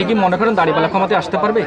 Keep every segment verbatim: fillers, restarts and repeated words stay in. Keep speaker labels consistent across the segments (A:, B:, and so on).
A: কি মনে করেন দাঁড়িপাল্লা ক্ষমতায় আসতে পারবে?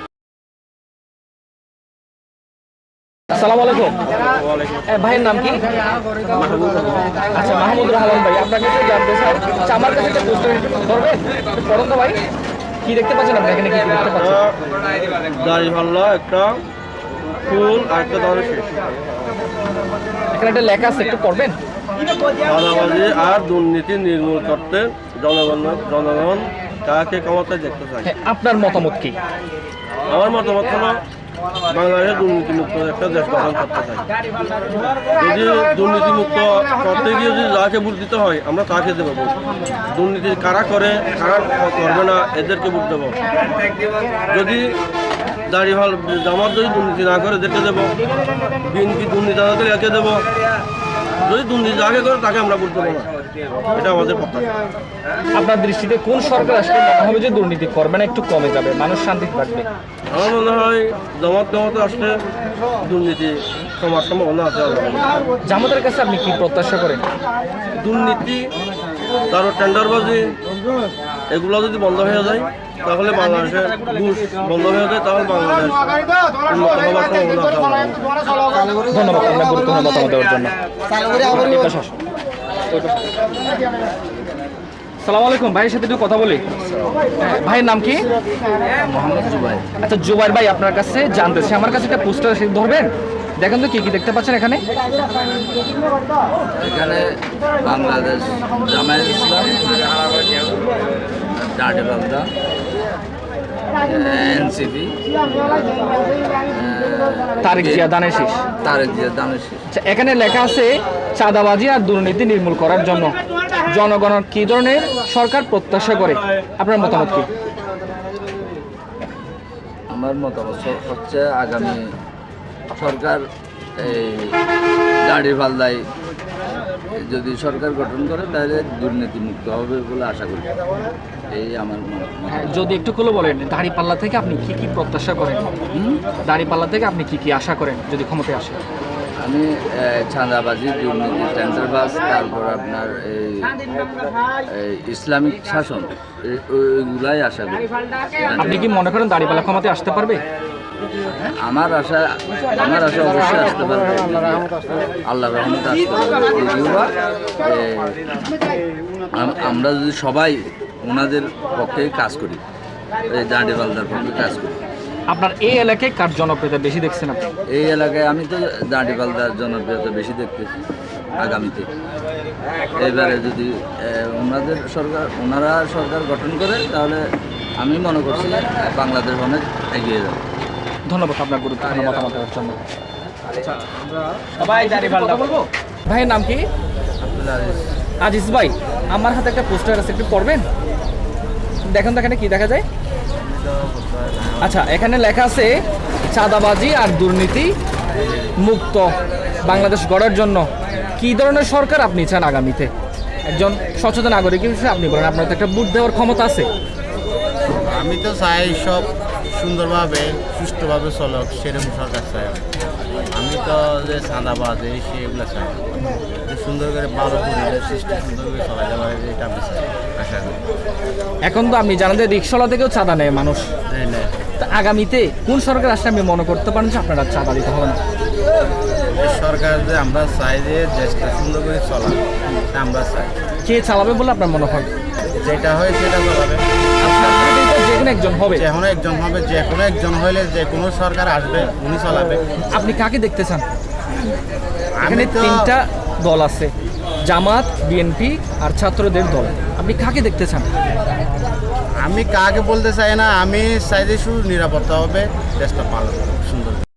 A: আসসালামু আলাইকুম। ভাইয়ের নাম কি? আচ্ছা, মাহমুদুর রহমান ভাই, আপনার কাছে জানতে চাই, আচ্ছা, আমার কাছে একটা পোস্টার ধরবেন পড়ুন তো ভাই। কি দেখতে পাচ্ছেন আপনি এখানে? কি কি দেখতে পাচ্ছেন?
B: দাঁড়িপাল্লা, একটা ফুল আর একটা ধরে শেষ।
A: এখানে একটা লেখা আছে, একটু পড়বেন।
B: চাঁদাবাজি আর দুর্নীতি নির্মূল করতে জনগণ জনগণ কাকে ক্ষমতায় দেখতে চায়।
A: হ্যাঁ, আপনার মতামত কি?
B: আমার মতামত হলো বাংলাদেশে দুর্নীতিমুক্ত একটা দেশ গঠন করতে চাই। যদি দুর্নীতিমুক্ত করতে গিয়ে যদি যাকে ভোট দিতে হয় আমরা তাকে দেবো ভোট। দুর্নীতি কারা করে কারা করবে না এদেরকে ভোট দেবো। যদি দাঁড়িপাল্লা জামাত যদি দুর্নীতি না করে এদেরকে দেবো। বিএনপি দুর্নীতি না করে একে দেবো। যদি দুর্নীতি যাকে করে তাকে আমরা ভোট দেবো না। এটা আমাদের প্রত্যাশা।
A: আপনার দৃষ্টিতে কোন সরকার আসলে মনে হবে যে দুর্নীতি করবে না, একটু কমে যাবে, মানুষ শান্তিতে থাকবে?
B: আমার মনে হয় জামাত জামাতে আসলে দুর্নীতি কমার সম্ভাবনা আছে।
A: জামাতের কাছে আপনি কি প্রত্যাশা করেন?
B: দুর্নীতি, তারপর টেন্ডারবাজি, এগুলো যদি বন্ধ হয়ে যায় তাহলে বাংলাদেশের ঘুষ বন্ধ হয়ে যায়, তাহলে বাংলাদেশ উন্নত হওয়ার সম্ভাবনা আছে।
A: ধন্যবাদ আপনার গুরুত্বপূর্ণ মতামত দেওয়ার জন্য। সালাম আলাইকুম, ভাইয়ের সাথে একটু কথা বলি। ভাইয়ের নাম কি?
C: মোহাম্মদ জুবাই।
A: আচ্ছা, জুবাইর ভাই, আপনার কাছে জানতেছি, আমার কাছে একটা পোস্টার ধরবেন, দেখেন তো কি কি দেখতে পাচ্ছেন এখানে।
C: এখানে বাংলাদেশ জামায়াত ইসলাম, দাঁড়িপাল্লা, এনসিপি,
A: তারেক জিয়া দানের শীষ।
C: তারেক জিয়া দানের শীষ।
A: আচ্ছা, এখানে লেখা আছে চাঁদাবাজি আর দুর্নীতি নির্মূল করার জন্য জনগণ কি ধরনের সরকার প্রত্যাশা করে? আপনার মতামত কি?
C: আমার মতামত হচ্ছে আগামী সরকার এই দাঁড়িপাল্লায় যদি সরকার গঠন করে তাহলে দুর্নীতি মুক্ত হবে বলে আশা করি। এই আমার
A: হ্যাঁ, যদি একটু খুলে বলেন, দাঁড়িপাল্লা থেকে আপনি কি কি প্রত্যাশা করেন? দাঁড়িপাল্লা থেকে আপনি কি কি আশা করেন যদি ক্ষমতায় আসে?
C: আমি চাঁদাবাজি, দুর্নীতি, টেন্ডারবাজ, তারপর আপনার এই ইসলামিক শাসন, ওইগুলাই আশা করি।
A: আপনি কি মনে করেন দাঁড়িপাল্লা ক্ষমতায় আসতে পারবে?
C: আমার আশা আমার আশা অবশ্যই আসতে পারবে, আল্লাহর রহমতে আসতে পারবে। যদিওবা আমরা যদি সবাই ওনাদের পক্ষে কাজ করি, এই দাঁড়িপাল্লার পক্ষে কাজ করি।
A: আপনার এই এলাকায় কার জনপ্রিয়তা বেশি দেখছেন আপনি?
C: এই এলাকায় আমি তো দাঁড়িপাল্লার জনপ্রিয়তা বেশি দেখতেছি আগামীতে। এবারে যদি ওনাদের সরকার ওনারা সরকার গঠন করে তাহলে আমি মনে করছি বাংলাদেশ অনেক এগিয়ে যাবে।
A: ধন্যবাদ আপনার গুরুত্বপূর্ণ মতামত দেওয়ার জন্য। সবাই দাঁড়িপাল্লা বলবো। ভাইয়ের নাম কি? আজিজ ভাই, আমার হাতে একটা পোস্টার আছে, একটু পড়বেন, দেখেন তো এখানে কি দেখা যায়। আচ্ছা, এখানে লেখা আছে চাঁদাবাজি আর দুর্নীতি মুক্ত বাংলাদেশ গড়ার জন্য কি ধরনের সরকার আপনি চান আগামীতে? একজন সচেতন নাগরিক হিসেবে আপনি বলেন, আপনার তো একটা ভোট দেওয়ার ক্ষমতা আছে।
D: আমি তো চাই সব সুন্দরভাবে সুষ্ঠুভাবে চলক, সেরকম সরকার চাই। আমি তো যে চাঁদাবাজ এই সেগুলো চাই, সুন্দর করে ভালো পরিবেশ সৃষ্টি সুন্দর করে চলা যাবে, এটা আমি চাই, আশা করি।
A: এখন তো আপনি জানেন যে রিক্সাওয়ালা থেকেও চাঁদা নেয় মানুষ। তা আগামীতে কোন সরকার আসলে আপনি মনে করতে পারেন যে আপনারা চাঁদা দিতে হবে না?
D: সরকার যে আমরা চাই যে দেশটা সুন্দর করে চলা, আমরা চাই।
A: কে চালাবে বলে আপনার মনে হয়?
D: যেটা হয় সেটা চালাবে।
A: যে কোনো একজন হবে,
D: যে কোনো একজন হবে, যে কোনো একজন হলে যে কোনো সরকার আসবে উনি চালাবে।
A: আপনি কাকে দেখতে চান?
D: আমি
A: এখানে
D: তো
A: তিনটা দল আছে, জামাত, বিএনপি আর ছাত্রদের দল। আপনি কাকে দেখতে চান?
D: আমি কাকে বলতে চাই না, আমি চাই যে শুধু নিরাপত্তা হবে, দেশটা ভালো সুন্দর।